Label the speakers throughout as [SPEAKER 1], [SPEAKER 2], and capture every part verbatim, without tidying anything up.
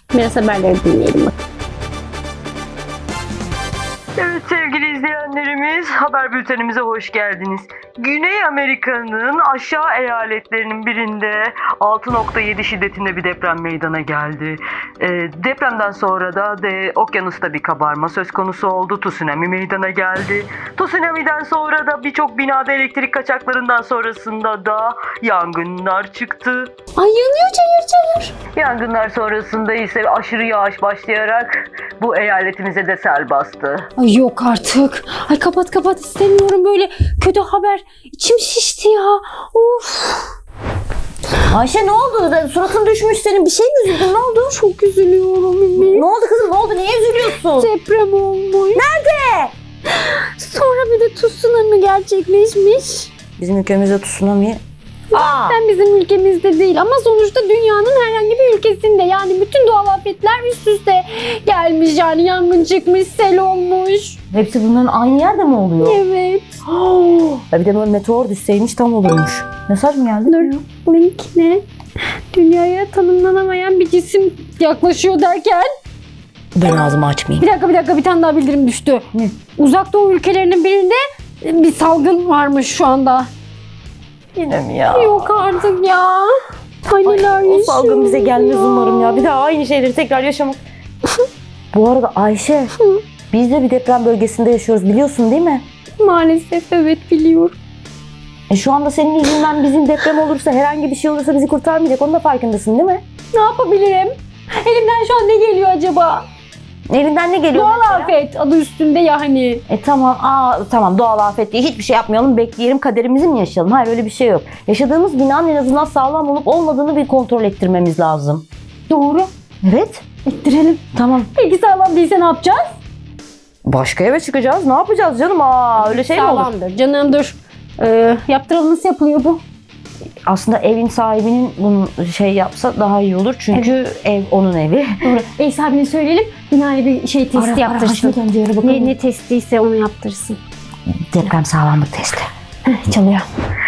[SPEAKER 1] Biraz haberleri dinleyelim bak.
[SPEAKER 2] Evet sevgili izleyenlerimiz, haber bültenimize hoş geldiniz. Güney Amerika'nın aşağı eyaletlerinin birinde altı nokta yedi şiddetinde bir deprem meydana geldi. Ee, depremden sonra da de, okyanusta bir kabarma söz konusu oldu. Tsunami meydana geldi. Tsunami'den sonra da birçok binada elektrik kaçaklarından sonrasında da yangınlar çıktı.
[SPEAKER 1] Ay yanıyor çayır çayır.
[SPEAKER 2] Yangınlar sonrasında ise aşırı yağış başlayarak bu eyaletimize de sel bastı.
[SPEAKER 1] Ay yok artık. Ay kapat kapat istemiyorum böyle kötü haber. İçim şişti ya. Of.
[SPEAKER 3] Ayşe ne oldu? Suratın düşmüş senin. Bir şey mi üzüldün? Ne oldu?
[SPEAKER 1] Çok üzülüyorum Ümit.
[SPEAKER 3] Ne oldu kızım? Ne oldu? Niye üzülüyorsun?
[SPEAKER 1] Deprem olmuş.
[SPEAKER 3] Nerede?
[SPEAKER 1] Sonra bir de tsunami gerçekleşmiş.
[SPEAKER 3] Bizim ülkemizde tsunami. Aa.
[SPEAKER 1] Ben bizim ülkemizde değil ama sonuçta dünyanın herhangi bir ülkesinde. Yani bütün doğal afetler üst üste gelmiş. Yani yangın çıkmış, sel olmuş.
[SPEAKER 3] Hepsi bunların aynı yerde mi oluyor?
[SPEAKER 1] Evet.
[SPEAKER 3] Ya bir de böyle meteor düşseymiş tam olurmuş. Mesaj mı geldi?
[SPEAKER 1] Dur. Link ne? Dünyaya tanımlanamayan bir cisim yaklaşıyor derken.
[SPEAKER 3] Ben ağzımı açmayayım.
[SPEAKER 1] Bir dakika bir dakika bir tane daha bildirim düştü.
[SPEAKER 3] Ne?
[SPEAKER 1] Uzak Doğu ülkelerinin birinde bir salgın varmış şu anda.
[SPEAKER 3] Yine mi ya?
[SPEAKER 1] Yok artık ya. Ay neler
[SPEAKER 3] O salgın
[SPEAKER 1] yaşıyoruz
[SPEAKER 3] bize gelmez
[SPEAKER 1] ya.
[SPEAKER 3] umarım ya. Bir daha aynı şeyleri tekrar yaşamak. Bu arada Ayşe, biz de bir deprem bölgesinde yaşıyoruz biliyorsun değil mi?
[SPEAKER 1] Maalesef evet biliyorum.
[SPEAKER 3] E şu anda senin yüzünden bizim deprem olursa, herhangi bir şey olursa bizi kurtarmayacak. Onun da farkındasın değil mi?
[SPEAKER 1] Ne yapabilirim? Elimden şu an ne geliyor acaba?
[SPEAKER 3] Elinden ne geliyor
[SPEAKER 1] Doğal
[SPEAKER 3] mesela?
[SPEAKER 1] afet adı üstünde ya hani.
[SPEAKER 3] E tamam, aa tamam doğal afet diye hiçbir şey yapmayalım, bekleyelim, kaderimizi mi yaşayalım? Hayır öyle bir şey yok. Yaşadığımız binanın en azından sağlam olup olmadığını bir kontrol ettirmemiz lazım.
[SPEAKER 1] Doğru.
[SPEAKER 3] Evet.
[SPEAKER 1] Ettirelim.
[SPEAKER 3] Tamam.
[SPEAKER 1] Peki sağlam değilse ne yapacağız?
[SPEAKER 3] Başka eve çıkacağız. Ne yapacağız canım? Aa öyle şey mi olur?
[SPEAKER 1] Sağlamdır canım dur. Ee, yaptıralım nasıl yapılıyor bu?
[SPEAKER 3] Aslında evin sahibinin bunu şey yapsa daha iyi olur. Çünkü ev onun evi.
[SPEAKER 1] Doğru. Ev sahibine söyleyelim. Binaya bir şey testi
[SPEAKER 3] Ara, ara,
[SPEAKER 1] yaptırsın.
[SPEAKER 3] Haşmet amcaya ara bakalım.
[SPEAKER 1] ne, ne testiyse onu yaptırsın.
[SPEAKER 3] Deprem sağlamlık testi.
[SPEAKER 1] Çalıyor.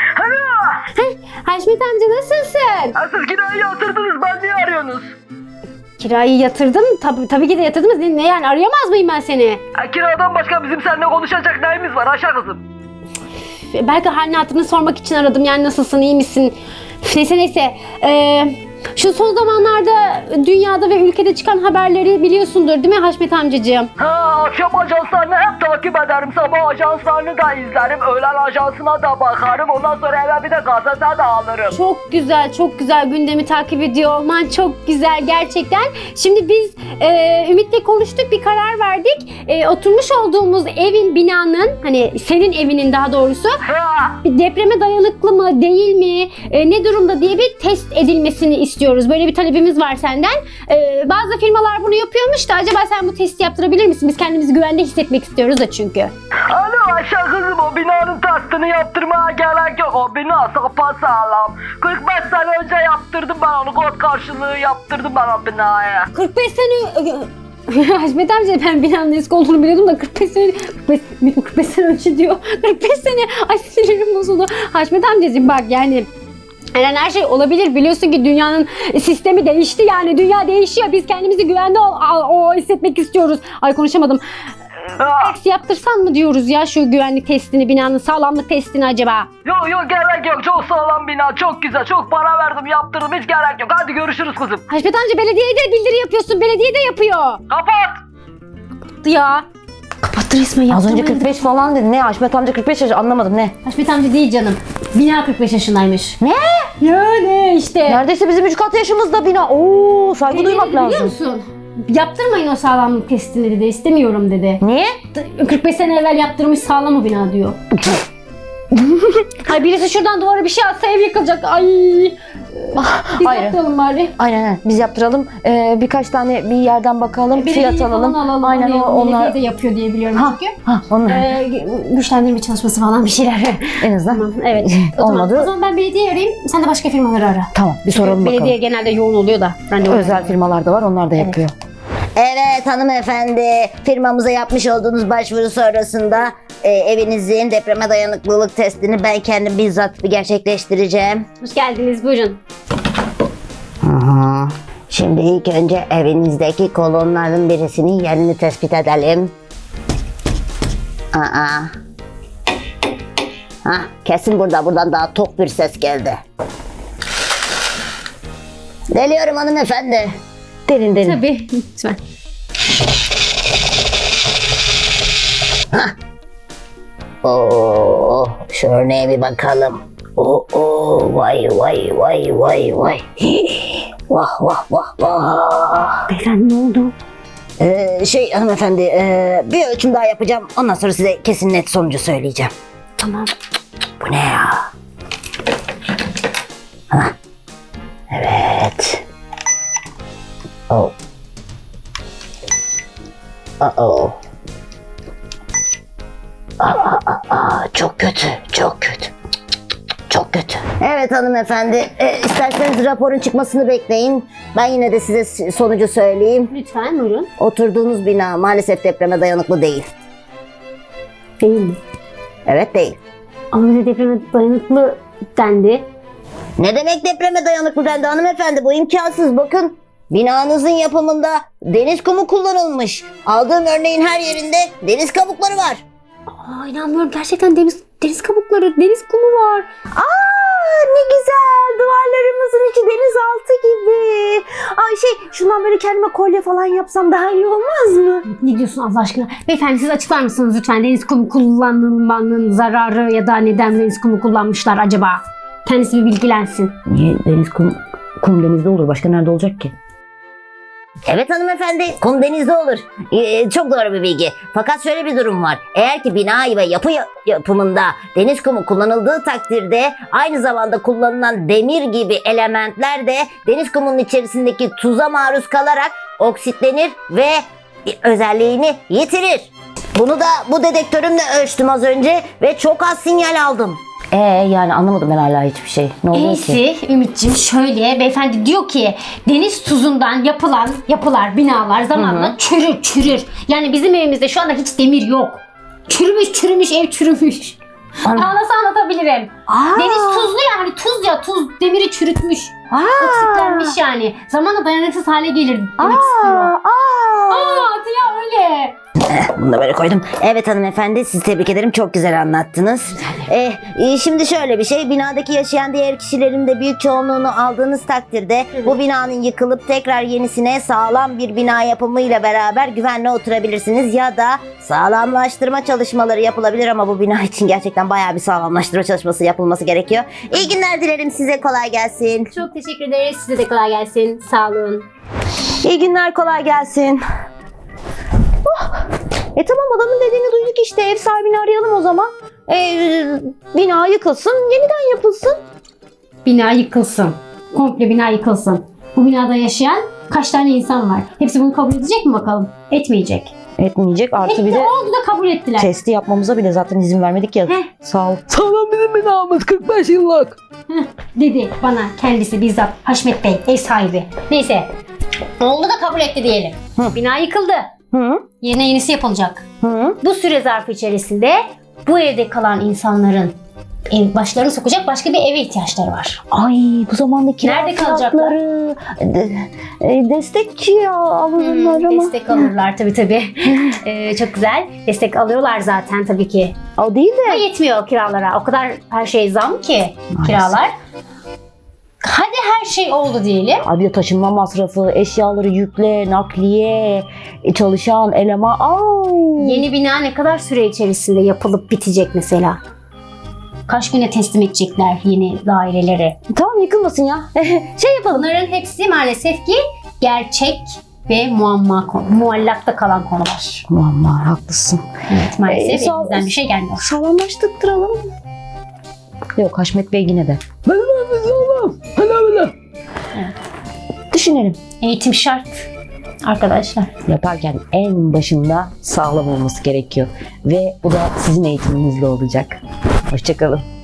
[SPEAKER 1] Haşmet amca nasılsın?
[SPEAKER 2] Ha, siz kirayı yatırdınız, ben niye arıyorsunuz?
[SPEAKER 1] Kirayı yatırdım. Tabii, tabii ki de yatırdınız. Ne, ne yani arayamaz mıyım ben seni?
[SPEAKER 2] Ha, kiradan başka bizim seninle konuşacak neyimiz var Ayşe kızım?
[SPEAKER 1] Belki halini hatırını sormak için aradım. Yani nasılsın, iyi misin? Üf, Neyse neyse. Ee, şu son zamanlarda dünyada ve ülkede çıkan haberleri biliyorsundur değil mi Haşmet amcacığım?
[SPEAKER 2] Ha, akşam ajanslarını hep takip ederim. Sabah ajanslarını da izlerim. Öğlen ajansına da bakarım. Ondan sonra eve bir de gazete de alırım.
[SPEAKER 1] Çok güzel, çok güzel gündemi takip ediyor olman çok güzel gerçekten. Şimdi biz e, Ümit'le konuştuk, bir karar verdik. E, oturmuş olduğumuz evin, binanın, hani senin evinin daha doğrusu
[SPEAKER 2] Ha,
[SPEAKER 1] bir depreme dayanıklı mı, değil mi, e, ne durumda diye bir test edilmesini istiyoruz. Böyle bir talebimiz var senden. E, bazı firmalar bunu yapıyormuş da acaba sen bu testi yaptırabilir misin? Biz kendimizi güvende hissetmek istiyoruz da çünkü.
[SPEAKER 2] alo Ayşe kızım, o binanın testini yaptırmaya gerek yok. O bina sapasağlam. kırk beş sene önce yaptırdım ben onu. Kod karşılığı yaptırdım ben o binaya.
[SPEAKER 1] kırk beş sene... Haşmet amca ben binanın eski olduğunu biliyordum da kırk beş sene... kırk beş, kırk beş sene önce diyor. kırk beş sene... Ay sinirim bozuldu. Haşmet amcacığım bak yani... Yani her şey olabilir. Biliyorsun ki dünyanın sistemi değişti yani. Dünya değişiyor. Biz kendimizi güvende o, o hissetmek istiyoruz. Ay konuşamadım.
[SPEAKER 2] Ha,
[SPEAKER 1] Test yaptırsan mı diyoruz ya şu güvenlik testini, binanın sağlamlık testini acaba?
[SPEAKER 2] yok yok gerek yok. Çok sağlam bina. Çok güzel. Çok para verdim yaptırdım. Hiç gerek yok. Hadi görüşürüz kızım.
[SPEAKER 1] Haşmet amca belediyeye de bildiri yapıyorsun. Belediye de yapıyor.
[SPEAKER 2] Kapat.
[SPEAKER 1] Kapattı ya. Kapattı resmen
[SPEAKER 3] Az
[SPEAKER 1] yaptırmayı.
[SPEAKER 3] önce kırk beş falan dedi. Ne? Haşmet amca kırk beş yaş, anlamadım ne?
[SPEAKER 1] Haşmet amca değil canım. Bina kırk beş yaşındaymış.
[SPEAKER 3] Ne?
[SPEAKER 1] Ya ne işte.
[SPEAKER 3] Neredeyse bizim üç kat yaşımızda bina. Oo saygı duymak
[SPEAKER 1] Biliyor
[SPEAKER 3] lazım.
[SPEAKER 1] musun? Yaptırmayın o sağlamlık testini dedi. İstemiyorum dedi.
[SPEAKER 3] Niye?
[SPEAKER 1] kırk beş sene evvel yaptırmış sağlam o bina diyor. Ay birisi şuradan duvara bir şey atsa ev yıkılacak. Ay. Biz
[SPEAKER 3] Hayır.
[SPEAKER 1] yaptıralım bari.
[SPEAKER 3] Aynen aynen. Biz yaptıralım. Ee, birkaç tane bir yerden bakalım. Fiyat
[SPEAKER 1] Belediye
[SPEAKER 3] alalım.
[SPEAKER 1] falan alalım.
[SPEAKER 3] Aynen
[SPEAKER 1] Oraya,
[SPEAKER 3] o- onlar.
[SPEAKER 1] Belediye de yapıyor diye biliyorum
[SPEAKER 3] Ha,
[SPEAKER 1] çünkü.
[SPEAKER 3] ha onlar.
[SPEAKER 1] Ee, güçlendirme çalışması falan bir şeyler.
[SPEAKER 3] En azından.
[SPEAKER 1] Tamam evet. O
[SPEAKER 3] Olmadı.
[SPEAKER 1] Zaman, o zaman ben belediye arayayım. Sen de başka firmaları ara.
[SPEAKER 3] Tamam bir soralım
[SPEAKER 1] Belediye
[SPEAKER 3] bakalım.
[SPEAKER 1] genelde yoğun oluyor da. Ben de
[SPEAKER 3] Özel firmalar da var, onlar da yapıyor.
[SPEAKER 4] Evet hanımefendi, firmamıza yapmış olduğunuz başvuru sonrasında e, evinizin depreme dayanıklılık testini ben kendim bizzat bir gerçekleştireceğim.
[SPEAKER 1] Hoş geldiniz buyurun.
[SPEAKER 3] Aha.
[SPEAKER 4] Şimdi ilk önce evinizdeki kolonların birisinin yerini tespit edelim. Aa. Ha, kesin burada. Buradan daha tok bir ses geldi. Deliyorum hanımefendi.
[SPEAKER 3] Derin derin.
[SPEAKER 1] Tabii. Lütfen.
[SPEAKER 4] Oo, şu örneğe bir bakalım. Oo, oo, vay vay vay vay vay. Vah vah vah vah.
[SPEAKER 1] Beyefendi ne oldu?
[SPEAKER 4] Ee, şey hanımefendi, e, bir ölçüm daha yapacağım. Ondan sonra size kesin net sonucu söyleyeceğim.
[SPEAKER 1] Tamam.
[SPEAKER 4] Bu ne ya? Hah. Evet. Oh. Uh-oh. Aa, aa, aa, çok kötü, çok kötü. Çok kötü. Evet hanımefendi, e, isterseniz raporun çıkmasını bekleyin. Ben yine de size s- sonucu söyleyeyim.
[SPEAKER 1] Lütfen buyurun.
[SPEAKER 4] Oturduğunuz bina maalesef depreme dayanıklı değil.
[SPEAKER 1] Değil mi?
[SPEAKER 4] Evet değil.
[SPEAKER 1] Ama bize depreme dayanıklı dendi.
[SPEAKER 4] Ne demek depreme dayanıklı dendi hanımefendi? Bu imkansız. Bakın, binanızın yapımında deniz kumu kullanılmış. Aldığım örneğin her yerinde deniz kabukları var.
[SPEAKER 1] Aa inanmıyorum. Gerçekten deniz, deniz kabukları, deniz kumu var.
[SPEAKER 3] Aa ne güzel, duvarlarımızın içi denizaltı gibi. Ay şey, şundan böyle kendime kolye falan yapsam daha iyi olmaz mı?
[SPEAKER 1] Ne diyorsun Allah aşkına? Beyefendi siz açıklar mısınız lütfen? Deniz kumu kullanılmanın zararı ya da neden deniz kumu kullanmışlar acaba? Kendisi bir bilgilensin.
[SPEAKER 3] Niye deniz kum, kum denizde olur? Başka nerede olacak ki?
[SPEAKER 4] Evet hanımefendi, kum denizde olur. Ee, çok doğru bir bilgi. Fakat şöyle bir durum var. Eğer ki bina ve yapı ya- yapımında deniz kumu kullanıldığı takdirde aynı zamanda kullanılan demir gibi elementler de deniz kumunun içerisindeki tuza maruz kalarak oksitlenir ve özelliğini yitirir. Bunu da bu dedektörümle ölçtüm az önce ve çok az sinyal aldım.
[SPEAKER 3] Ee yani anlamadım ben hala hiçbir şey. Ne oluyor ki?
[SPEAKER 1] Neyse Ümit'ciğim şöyle beyefendi diyor ki deniz tuzundan yapılan yapılar, binalar zamanla çürür çürür. Yani bizim evimizde şu anda hiç demir yok. Çürümüş çürümüş ev çürümüş.
[SPEAKER 3] Ana-
[SPEAKER 1] Aa, nasıl anlatabilirim?
[SPEAKER 3] Aa,
[SPEAKER 1] Deniz tuzlu ya hani tuz ya tuz demiri çürütmüş.
[SPEAKER 3] aa,
[SPEAKER 1] Oksitlenmiş yani. Zamanla dayanıksız hale gelir demek
[SPEAKER 3] aa,
[SPEAKER 1] istiyor.
[SPEAKER 3] aa.
[SPEAKER 1] Aa ya öyle.
[SPEAKER 4] Bunu da böyle koydum. Evet hanımefendi, sizi tebrik ederim. Çok güzel anlattınız. Eh, e, şimdi şöyle bir şey. Binadaki yaşayan diğer kişilerin de büyük çoğunluğunu aldığınız takdirde bu binanın yıkılıp tekrar yenisine sağlam bir bina yapımıyla beraber güvenle oturabilirsiniz. Ya da sağlamlaştırma çalışmaları yapılabilir ama bu bina için gerçekten bayağı bir sağlamlaştırma çalışması yapılması gerekiyor. İyi günler dilerim size. Kolay gelsin.
[SPEAKER 1] Çok teşekkür ederiz. Size de kolay gelsin. Sağ olun.
[SPEAKER 3] İyi günler, kolay gelsin. Oh, e tamam adamın dediğini duyduk işte. Ev sahibini arayalım o zaman. E, bina yıkılsın, yeniden yapılsın.
[SPEAKER 1] Bina yıkılsın. Komple bina yıkılsın. Bu binada yaşayan kaç tane insan var? Hepsi bunu kabul edecek mi bakalım? Etmeyecek.
[SPEAKER 3] Etmeyecek artı
[SPEAKER 1] Etti
[SPEAKER 3] bir de
[SPEAKER 1] oldu da kabul ettiler.
[SPEAKER 3] testi yapmamıza bile zaten izin vermedik ya.
[SPEAKER 1] Heh.
[SPEAKER 3] Sağ ol.
[SPEAKER 5] Sağlam bizim binamız kırk beş yıllık.
[SPEAKER 1] Dedi bana kendisi bizzat Haşmet Bey ev sahibi. Neyse. Oldu da kabul etti diyelim. Bina yıkıldı.
[SPEAKER 3] Hı?
[SPEAKER 1] Yerine yenisi yapılacak.
[SPEAKER 3] Hı?
[SPEAKER 1] Bu süre zarfı içerisinde bu evde kalan insanların ev başlarını sokacak başka bir eve ihtiyaçları var.
[SPEAKER 3] Ay bu zamanda kira
[SPEAKER 1] Nerede kalacaklar?
[SPEAKER 3] fiyatları, de- e, destek ya alırlar
[SPEAKER 1] Hmm,
[SPEAKER 3] ama.
[SPEAKER 1] destek alırlar tabii tabii. Ee, çok güzel. Destek alıyorlar zaten tabii ki.
[SPEAKER 3] O değil
[SPEAKER 1] Ama
[SPEAKER 3] de.
[SPEAKER 1] yetmiyor kiralara. O kadar her şey zam ki kiralar. Hadi her şey oldu diyelim.
[SPEAKER 3] Abi de taşınma masrafı, eşyaları yükle, nakliye, e, çalışan eleman. Au.
[SPEAKER 1] Yeni bina ne kadar süre içerisinde yapılıp bitecek mesela? Kaç güne teslim edecekler yeni daireleri?
[SPEAKER 3] Tamam yıkılmasın ya. Şey yapalım.
[SPEAKER 1] Bunların hepsi maalesef ki gerçek ve muamma konu, muallakta kalan konular.
[SPEAKER 3] Muamma haklısın.
[SPEAKER 1] Evet, maalesef
[SPEAKER 3] Ee, sağ-
[SPEAKER 1] elimizden bir şey gelmiyor.
[SPEAKER 3] Sağlamlaştıralım. Yok Haşmet Bey yine de.
[SPEAKER 5] Benim evimiz sağlam. Hele hele.
[SPEAKER 3] Düşünelim.
[SPEAKER 1] Eğitim şart arkadaşlar.
[SPEAKER 3] Yaparken en başında sağlam olması gerekiyor. Ve bu da sizin eğitiminizle olacak. Hoşçakalın.